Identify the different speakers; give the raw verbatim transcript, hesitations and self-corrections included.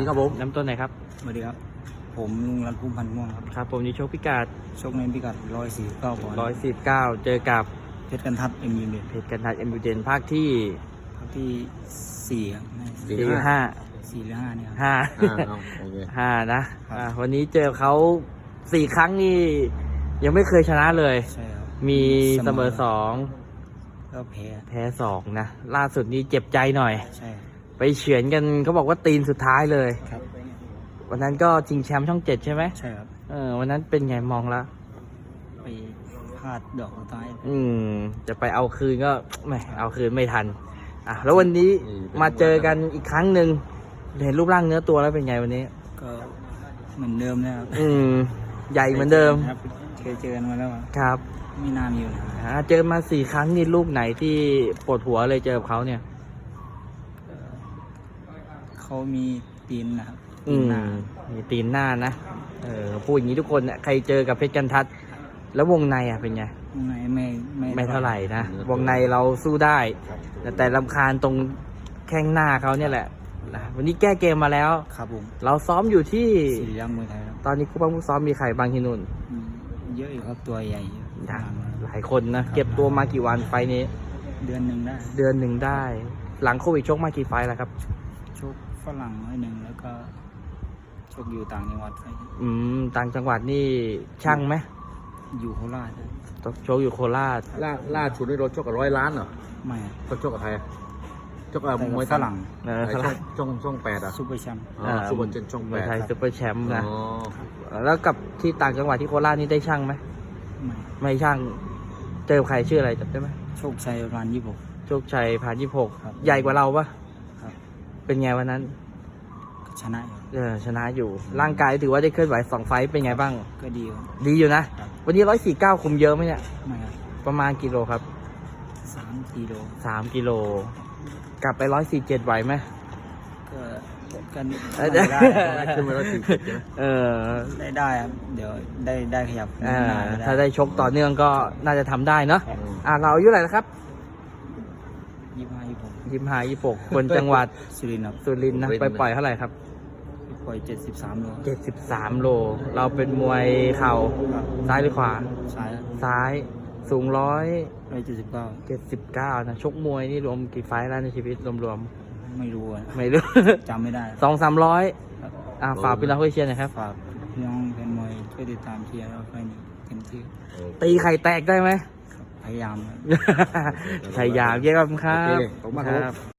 Speaker 1: ดีครับผม
Speaker 2: น้ำต้นไหนครับ
Speaker 3: สวัสดีครับผมลุงรัตน์พุ่มพันธ์ม่วงครับ
Speaker 2: ครับผมนี่โชคพิกัด
Speaker 3: ชกในพิกัดร้อยสี่เก้าปอนด์
Speaker 2: ร้อยสิบเก้าเจอกับ
Speaker 3: เพชรกันทัดเอ็มยูเด
Speaker 2: เพชรกันทัดเอ็มยูเดนภาคที่
Speaker 3: ภาคที่สี่ครับ
Speaker 2: สี่ห้า
Speaker 3: สี่หรือห้าเนี่ย
Speaker 2: ห้าห้านะวันนี้เจอเขาสี่ครั้งนี่ยังไม่เคยชนะเลย
Speaker 3: ใช่ครับ
Speaker 2: มีเสมอสอง
Speaker 3: ก็แพ้
Speaker 2: แพ้สองนะล่าสุดนี้เจ็บใจหน่อย
Speaker 3: ใช่
Speaker 2: ไปเฉือนกันเขาบอกว่าตีนสุดท้ายเลย
Speaker 3: ครับ
Speaker 2: วันนั้นก็ชิงแชมป์ช่องเจ็ดใช่ไหม
Speaker 3: ใช่ครับ
Speaker 2: เออวันนั้นเป็นไงมองแล้ว
Speaker 3: ไปพลาดดอกสุดท้าย
Speaker 2: อืมจะไปเอาคืนก็ไม่เอาคืนไม่ทันอ่ะแล้ววันนี้มาเจอกันอีกครั้งหนึ่งเห็นรูปร่างเนื้อตัวแล้วเป็นไงวันนี้
Speaker 3: ก็เหมือนเดิมนะครับ
Speaker 2: อืมใหญ่เหมือนเดิม
Speaker 3: ครับเคยเจอกันมาแล้ว
Speaker 2: ครับ
Speaker 3: ไม่นานอยู่นะ
Speaker 2: อ่าเจอมาสี่ครั้งนี่ลูกไหนที่ปวดหัวเลยเจอกับเขาเนี่ย
Speaker 3: เขามีตีนนะครับ
Speaker 2: อืมมีตีนหน้านะเออพูดอย่างนี้ทุกคนเนี่ยใครเจอกับเพชรกันทัดแล้ววงในอ่ะเป็นไง
Speaker 3: วงในไม่ไม่
Speaker 2: ไม่เท่าไหร่นะวงในเราสู้ได้แต่แต่รำคาญตรงแข้งหน้าเขาเนี่ยแหละนะวันนี้แก้เกมมาแล้ว
Speaker 3: ครับผม
Speaker 2: เราซ้อมอยู่ที่
Speaker 3: สี่ย่างมวยไทยครับ
Speaker 2: ตอนนี้คู่บ้างคู่ซ้อมมีใครบางที่นู่น
Speaker 3: เยอะอยู่ครับตัวใหญ่
Speaker 2: หลายคนนะเก็บตัวมากี่วันไฟนี้
Speaker 3: เดือนหนึ่งได้
Speaker 2: เดือนหนึ่งได้หลังโควิดชกมากี่ไฟแล้วครับ
Speaker 3: ชกฝรั่งหนึ่งแล้วก็ชกอยู่ต่างจังหวัดไป
Speaker 2: อืมต่างจังหวัดนี่ช่างไหม
Speaker 3: อยู่โคราช
Speaker 2: ชกอยู่โคราช
Speaker 1: ล่าล่าสุดนี่เราชกกับร้อยล้านเหรอ
Speaker 3: ไม่
Speaker 1: เขาชกกับใครชกกับมวย
Speaker 3: ฝรั่ง
Speaker 1: ช่องช่องแปดอ่ะ
Speaker 3: ซูเปอร์แชมป์
Speaker 1: ซูเปอร์เจนช่องแปด
Speaker 2: ไทยซูเปอร์แชมป์นะแล้วกับที่ต่างจังหวัดที่โคราชนี่ได้ช่างไหม
Speaker 3: ไม่
Speaker 2: ไม่ช่างเจอใครชื่ออะไรจำได้ไหม
Speaker 3: โชคชัยพานยี่สิบหก
Speaker 2: โชคชัยพานยี่สิบหกใหญ่กว่าเราปะ
Speaker 3: ครับ
Speaker 2: เป็นไงวันนั้น
Speaker 3: ชนะ
Speaker 2: เออชนะอยู่ร่างกายถือว่าได้เคลื่อนไหวสองไฟต์เป็นไงบ้าง
Speaker 3: ก็ดี
Speaker 2: ดีอยู่นะวันนี้ร้อยสี่เก้าคุมเยอะไหมเนี่ย
Speaker 3: ไม่ครับ
Speaker 2: ประมาณกิโลครับ
Speaker 3: สามกิโล
Speaker 2: สามกิโลกลับไปร้อยสี่เจ็ดไหวไหม
Speaker 3: ก็กัน
Speaker 1: ได้ขึ้นมาร้อยสี่สิบ
Speaker 2: เออ
Speaker 3: ได้ได้ครับเดี๋ยวได้ได้ขยับ
Speaker 2: ถ้าได้ชกต่อเนื่องก็น่าจะทำได้เนาะอ่าเราอายุเท่าไหร่แล้วครับ
Speaker 3: ยี่สิบห้ายี่สิบหก
Speaker 2: ยี่สิบห้ายี่สิบหกคนจังหวัด
Speaker 3: สุรินทร์ครับ
Speaker 2: สุรินทร์นะไปปล่อยเท่าไหร่ครับ
Speaker 3: ปล่อยเจ็ดสิบสามโล
Speaker 2: เจ็ดสิบสามโลเราเป็นมวยเข่าซ้ายหรือขวา
Speaker 3: ซ้าย
Speaker 2: ซ้ายสูงร้อย
Speaker 3: ร้อยเจ็ดสิบเก้า
Speaker 2: เจ็ดสิบเก้านะชกมวยนี่รวมกี่ไฟล์แล้วในชีวิตรวม
Speaker 3: ๆไม่รู้
Speaker 2: ไม่รู้
Speaker 3: จำไม่ได้
Speaker 2: สองสามร้อยอ่าฝากพี่น้องเชียร์หน่อยครับ
Speaker 3: ฝากพี่น้องเป็นมวยช่วยติดตามเชียร์แล้วไปนี่เต็มที่
Speaker 2: ตีไข่แตกได้ไหม
Speaker 3: พยายาม
Speaker 2: พยายามเยี่ยมครับ